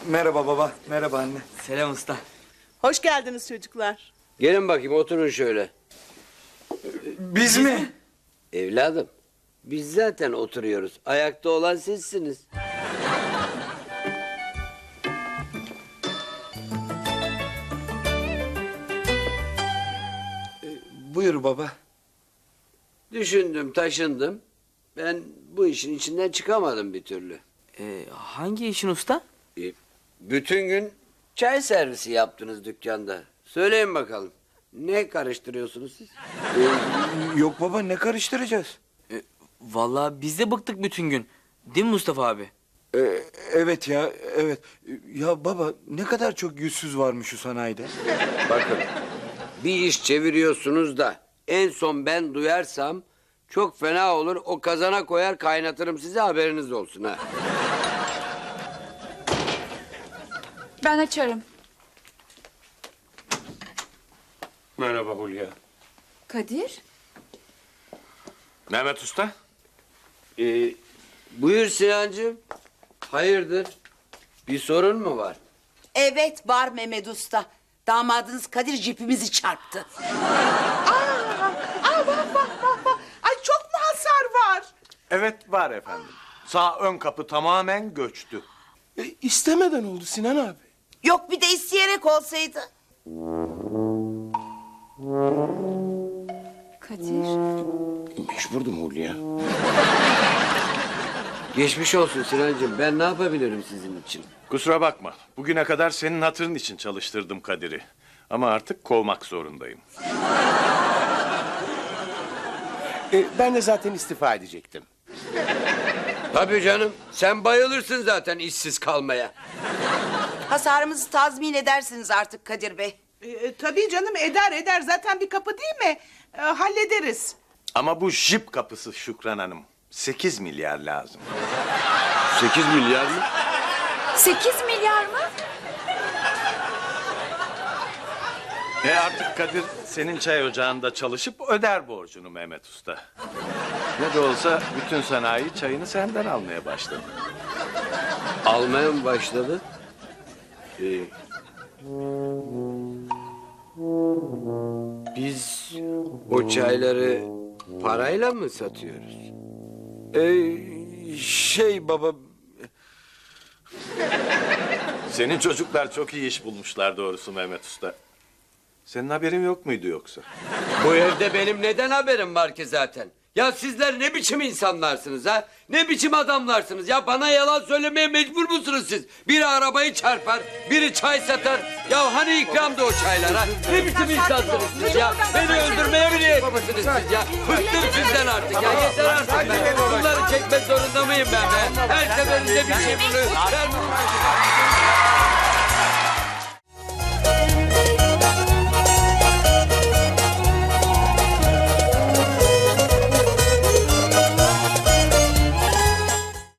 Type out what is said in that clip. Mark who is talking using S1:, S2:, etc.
S1: Merhaba baba, merhaba anne.
S2: Selam usta.
S3: Hoş geldiniz çocuklar.
S4: Gelin bakayım oturun şöyle.
S1: Biz mi?
S4: Evladım biz zaten oturuyoruz. Ayakta olan sizsiniz.
S1: Buyur baba.
S4: Düşündüm taşındım. Ben bu işin içinden çıkamadım bir türlü.
S2: Hangi işin usta?
S4: Bütün gün çay servisi yaptınız dükkanda. Söyleyin bakalım. Ne karıştırıyorsunuz siz?
S1: Yok baba, ne karıştıracağız?
S2: Vallahi biz de bıktık bütün gün. Değil mi Mustafa abi?
S1: Evet ya, evet. Ya baba, ne kadar çok yüzsüz varmış şu sanayide.
S4: Bakın bir iş çeviriyorsunuz da en son ben duyarsam çok fena olur. O kazana koyar kaynatırım size, haberiniz olsun ha.
S5: Ben açarım.
S6: Merhaba Hulya.
S5: Kadir?
S6: Mehmet Usta.
S4: Buyur Sinancığım. Hayırdır? Bir sorun mu var?
S7: Evet var Mehmet Usta. Damadınız Kadir jipimizi çarptı.
S3: Ay çok mu hasar var?
S8: Evet var efendim. Sağ ön kapı tamamen göçtü.
S6: İstemeden oldu Sinan abi.
S7: Yok bir de isteyerek olsaydı.
S5: Kadir.
S6: Mecburdum Hulya.
S4: Geçmiş olsun Sinancığım. Ben ne yapabilirim sizin için?
S8: Kusura bakma. Bugüne kadar senin hatırın için çalıştırdım Kadir'i. Ama artık kovmak zorundayım.
S6: Ben de zaten istifa edecektim.
S4: Tabii canım. Sen bayılırsın zaten işsiz kalmaya.
S7: Hasarımızı tazmin edersiniz artık Kadir Bey.
S3: Tabii canım eder. Zaten bir kapı değil mi? Hallederiz.
S8: Ama bu jip kapısı Şükran Hanım. 8 milyar lazım.
S4: 8 milyar mı?
S5: 8 milyar mı?
S8: Artık Kadir senin çay ocağında çalışıp öder borcunu Mehmet Usta. Ne de olsa bütün sanayi çayını senden almaya başladı.
S4: Almaya mı başladı? Biz o çayları parayla mı satıyoruz?
S1: Baba,
S8: Senin çocuklar çok iyi iş bulmuşlar doğrusu Mehmet Usta. Senin haberin yok muydu yoksa?
S4: Bu evde benim neden haberim var ki zaten? Ya sizler ne biçim insanlarsınız ha? Ne biçim adamlarsınız ya? Bana yalan söylemeye mecbur musunuz siz? Biri arabayı çarpar, biri çay satar. Ya hani ikramdı o çaylar ha? Ne biçim insansınız siz ya? Beni öldürmeye mi niyetlisiniz siz ya? Bıktım sizden artık ya. Yeter artık be. Bunları çekmek zorunda mıyım ben be? Her seferinde bir şey buluyor.